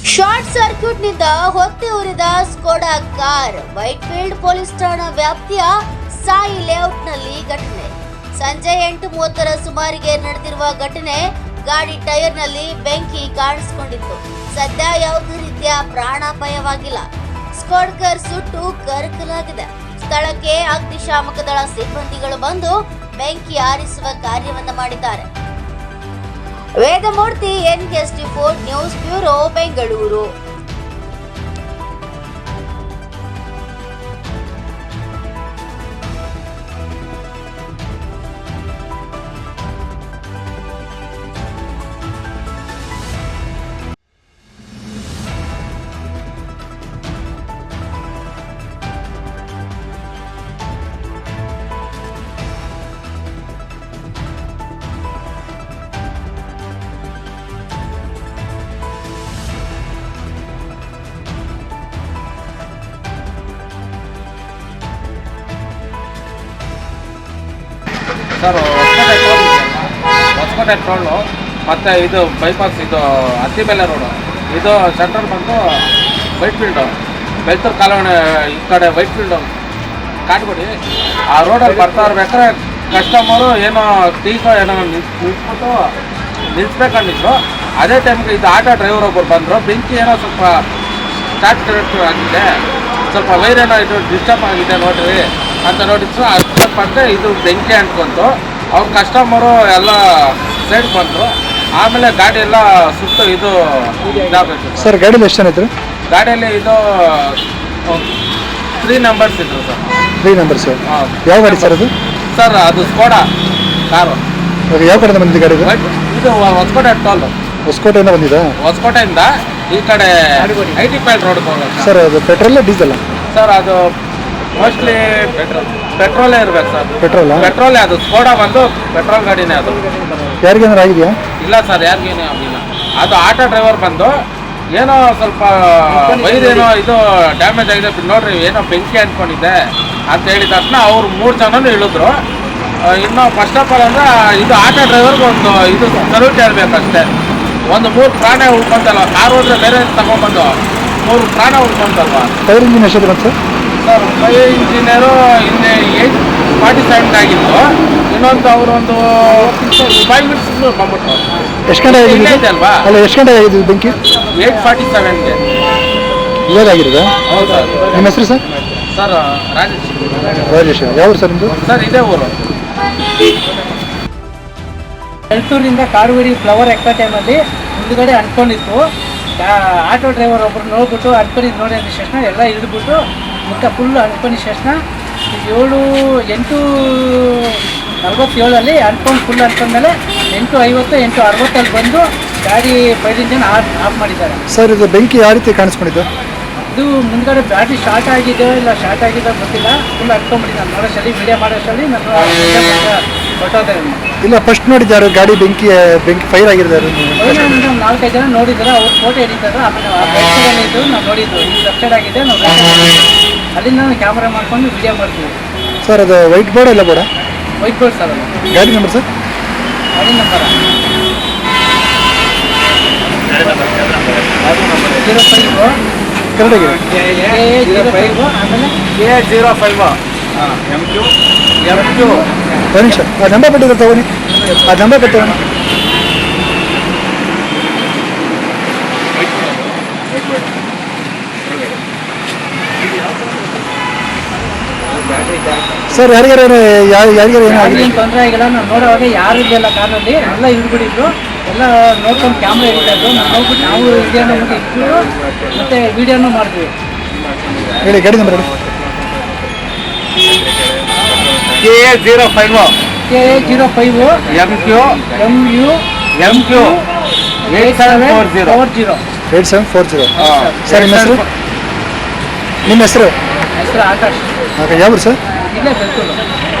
Short ಸರ್ಕ್ಯೂಟ್ನಿಂದ ಹೊತ್ತಿ ಉರಿದ ಸ್ಕೋಡಾ ಕಾರ್. ವೈಟ್ಫೀಲ್ಡ್ ಪೊಲೀಸ್ ಠಾಣಾ ವ್ಯಾಪ್ತಿಯ ಸಾಯಿ ಲೇಔಟ್ನಲ್ಲಿ ಘಟನೆ. ಸಂಜೆ 8:30ರ ಸುಮಾರಿಗೆ ನಡೆದಿರುವ ಘಟನೆ. ಗಾಡಿ ಟೈರ್ನಲ್ಲಿ ಬೆಂಕಿ ಕಾಣಿಸಿಕೊಂಡಿತ್ತು. ಸದ್ಯ ಯಾವುದೇ ರೀತಿಯ ಪ್ರಾಣಾಪಾಯವಾಗಿಲ್ಲ. ಸ್ಕೋಡಾ ಕಾರ್ ಸುಟ್ಟು ಕರಕಲಾಗಿದೆ. ಸ್ಥಳಕ್ಕೆ ಅಗ್ನಿಶಾಮಕ ದಳ ಸಿಬ್ಬಂದಿಗಳು ಬಂದು ಬೆಂಕಿ ಆರಿಸುವ ಕಾರ್ಯವನ್ನ ಮಾಡಿದ್ದಾರೆ. Vedamurthy, NKST4 news bureau, Bengaluru. Sir, Hosakote toll ಮತ್ತು ಇದು ಬೈಪಾಸ್, ಇದು ಅತ್ತಿಬೆಲೆ ರೋಡು, ಇದು ಸೆಂಟ್ರಲ್ ಬಂದು ವೈಟ್ಫೀಲ್ಡು, ಬೆಳ್ತೂರು ಕಾಲೋನಿ ಈ ಕಡೆ ವೈಟ್ಫೀಲ್ಡು ಕಾಟ್ಗುಡಿ. ಆ ರೋಡಲ್ಲಿ ಬರ್ತಾ ಇರ್ಬೇಕಾದ್ರೆ ಕಸ್ಟಮರು ಏನೋ ಟೀಕೋ ಏನೋ ನಿಲ್ಲಿಸ್ಬೇಕಂದಿದ್ರು. ಅದೇ ಟೈಮ್ಗೆ ಇದು ಆಟೋ ಡ್ರೈವರ್ ಒಬ್ಬರು ಬಂದರು. ಬೆಂಕಿ ಏನೋ ಸ್ವಲ್ಪ ಸ್ಟಾರ್ಟ್ ಆಗಿದೆ, ಸ್ವಲ್ಪ ವೈರ್ ಏನೋ ಇದು ಡಿಸ್ಟರ್ಬ್ ಆಗಿದೆ ನೋಡ್ರಿ ಅಂತ ನೋಡಿದ್ರು. ಅಷ್ಟೇ ಇದು ಬೆಂಕಿ ಅಂಟ್ಕೊಂತು. ಅವ್ರ ಕಸ್ಟಮರು ಎಲ್ಲ ಸೈಡ್ ಬಂದರು. ಆಮೇಲೆ ಗಾಡಿ ಎಲ್ಲ ಸುತ್ತು ಇದು ಇದಾಗಬೇಕು. ಸರ್, ಗಾಡಿಯಲ್ಲಿ ಎಷ್ಟು ಜನ ಇದ್ರು? ಗಾಡಿಯಲ್ಲಿ ಇದು 3 ನಂಬರ್ಸ್ ಇದ್ರು ಸರ್. 3 ನಂಬರ್ಸ್. ಯಾವ ಗಾಡಿ ಸರ್ ಅದು? ಸರ್, ಅದು ಸ್ಕೋಡಾ ಕಾರು. ಯಾವ ಕಡೆಯಿಂದ ಬಂದಿದೆ ಗಾಡಿ? ಇದು ಹೊಸಕೋಟೆ ಟೋಲ್. ಹೊಸಕೋಟೆಯಿಂದ ಬಂದಿದೆ. ಹೊಸಕೋಟೆಯಿಂದ ಈ ಕಡೆ IT5 ರೋಡ್ಗೆ ಹೋಗೋದು. ಸರ್, ಅದು ಪೆಟ್ರೋಲ್ ಡೀಸೆಲ್? ಸರ್, ಅದು ಮೋಸ್ಟ್ಲಿ ಪೆಟ್ರೋಲೇ ಇರ್ಬೇಕು ಸರ್. ಪೆಟ್ರೋಲೇ. ಅದು ಸ್ಕೋಡಾ ಬಂದು ಪೆಟ್ರೋಲ್ ಗಾಡಿನೇ. ಅದು ಯಾರಿಗೇನಾರು ಆಗಿದೆಯಾ? ಇಲ್ಲ ಸರ್, ಯಾರಿಗೇನೂ ಆಗಿಲ್ಲ. ಅದು ಆಟೋ ಡ್ರೈವರ್ ಬಂದು ಏನೋ ಸ್ವಲ್ಪ ವೈರ್ ಏನೋ ಇದು ಡ್ಯಾಮೇಜ್ ಆಗಿದೆ ನೋಡ್ರಿ, ಏನೋ ಬೆಂಕಿ ಅಂದ್ಕೊಂಡಿದ್ದೆ ಅಂತ ಹೇಳಿದ ತಕ್ಷಣ ಅವ್ರು 3 ಜನನೂ ಇಳಿದ್ರು. ಇನ್ನು ಫಸ್ಟ್ ಆಫ್ ಆಲ್ ಅಂದರೆ ಇದು ಆಟೋ ಡ್ರೈವರ್ಗೆ ಒಂದು ಇದು ಸಲ್ಯೂಟ್ ಹೇಳ್ಬೇಕಷ್ಟೇ. ಒಂದು 3 ಪ್ರಾಣ ಉಳ್ಕೊಂತಲ್ವ. ಕಾರ್ ಹೋದ್ರೆ ಬೇರೆ ತಗೊಂಡ್ಬಂದು 3 ಪ್ರಾಣ ಉಳ್ಕೊಂತಲ್ವ. ಫೈರ್ ಇಂಜಿನ್ ಎಷ್ಟು ಬಂತು ಸರ್? ಫೈರ್ ಇಂಜಿನಿಯರು ಇಲ್ಲಿ 8:47 ಆಗಿತ್ತು. ಇನ್ನೊಂದು ಅವರು ಒಂದು 5 ಮಿನಿಟ್ಸ್ ಬಂದ್ಬಿಟ್ಟು. ಎಷ್ಟು ಗಂಟೆ ಆಗಿದೆ ಅಲ್ವಾ? ಅಲ್ಲ, ಎಷ್ಟು ಗಂಟೆ ಆಗಿದೆ ಬೆಂಕಿ? 8:47ಗೆ ಇವಾಗಾಗಿರೋದಾ? ಹೌದು ಸರ್. ನಿಮ್ಮ ಹೆಸರು ಸರ್? ಸರ್, ರಾಜೇಶ್. ಯಾವ ಸರ್ ನಿಮ್ಮದು? ಸರ್, ಇದೇ ಊರು. ಬೆಳ್ತೂರಿಂದ ಕಾರುಗುಡಿ ಫ್ಲವರ್ ಎಕ್ಕ ಟೈಮಲ್ಲಿ ಮುಂದುಗಡೆ ಅಂದ್ಕೊಂಡಿತ್ತು. ಆಟೋ ಡ್ರೈವರ್ ಒಬ್ಬರು ನೋಡ್ಬಿಟ್ಟು ಅಂದ್ಕೊಂಡಿದ್ದು ನೋಡಿ ಅಂದ ತಕ್ಷಣ ಎಲ್ಲ ಇಳಿದ್ಬಿಟ್ಟು ಮುಖ ಫುಲ್ ಅಂದ್ಕೊಂಡಿದ್ದ ತಕ್ಷಣ 8:47 ಅಂದ್ಕೊಂಡು ಫುಲ್ ಅಂದ್ಕೊಂಡ್ಮೇಲೆ 8:50, 8:60 ಬಂದು ಗಾಡಿ ಫೈರ್ ಇಂಜಿನ್ ಆಫ್ ಮಾಡಿದ್ದಾರೆ. ಸರ್, ಇದು ಬೆಂಕಿ ಯಾವ ರೀತಿ ಕಾಣಿಸ್ಕೊಂಡಿದ್ದು? ಇದು ಮುಂದ್ಗಡೆ ಬ್ಯಾಟ್ರಿ ಶಾರ್ಟ್ ಆಗಿದೆ ಇಲ್ಲ ಶಾರ್ಟ್ ಆಗಿದೆ ಗೊತ್ತಿಲ್ಲ. ಫುಲ್ ಅಂದ್ಕೊಂಡ್ಬಿಟ್ಟು ನಾನು ನೋಡೋಷ್ಟಲ್ಲಿ ವಿಡಿಯೋ ಮಾಡೋಷ್ಟಲ್ಲಿ ನಾನು ಹೊಟ್ಟೋದೆ. ಇಲ್ಲ, ಫಸ್ಟ್ ನೋಡಿದ್ದಾರೆ ಗಾಡಿ ಬೆಂಕಿ ಫೈರ್ ಆಗಿರೋದು. 4-5 ಜನ ನೋಡಿದ್ದಾರೆ. ಅವ್ರು ಫೋಟೋ ಹಿಡಿತಾರೆ. ಆಮೇಲೆ ಇದ್ದು ನಾವು ನೋಡಿದ್ದು ಈ ಲೆಫ್ಟ್ ಆಗಿದೆ. ನಾವು ಅಲ್ಲಿಂದ ನಾವು ಕ್ಯಾಮ್ರಾ ಮಾಡ್ಕೊಂಡು ವಿಡಿಯೋ ಮಾಡ್ತೀವಿ. ಸರ್, ಅದು ವೈಟ್ ಬೋರ್ಡ್ ಇಲ್ಲ ಬೋರ್ಡ? White board sir. ಅದು ಗಾಡಿ ನಂಬರ್ ಸರ್? ಗಾಡಿ ನಂಬರ್ 05 ಕರೆಕ್ಟಾಗಿದೆ. A05 ಆಮೇಲೆ A05 MQ. ಒಂದು ನಿಮಿಷ, ಆ ನಂಬರ್ ಕೊಟ್ಟಿದ್ರೆ ತಗೊಳ್ಳಿ. ಆ ನಂಬರ್ ಕೊಟ್ಟು ಸರ್, ಯಾರಿಗಾರು ಏನು ತೊಂದರೆ ಆಗಿಲ್ಲ. ನಾವು ನೋಡೋವಾಗ ಯಾರು ಇದೆಲ್ಲ ಕಾರಲ್ಲಿ ಎಲ್ಲ ಇಳ್ಬಿಟ್ಟಿದ್ರು. ಎಲ್ಲ ನೋಡ್ಕೊಂಡು ಕ್ಯಾಮ್ರಾ ಹಿಡಿತಾಯಿದ್ರು. ನಾವು ನೋಡ್ಬಿಟ್ಟು ನಾವು ವಿಡಿಯೋನ ಇಟ್ಬಿಟ್ಟು ಮತ್ತೆ ವಿಡಿಯೋನು ಮಾಡ್ತೀವಿ. ಹೇಳಿ ಗಾಡಿ ನಂಬರ್. A05 MQ 8740. ಸರ್, ನಿಮ್ಮ ಹೆಸರು? ಹೆಸರು ಆಕಾಶ್. ಯಾವ ಸರ್? ಇಲ್ಲೇ ಬೆಳ್ತೂರು.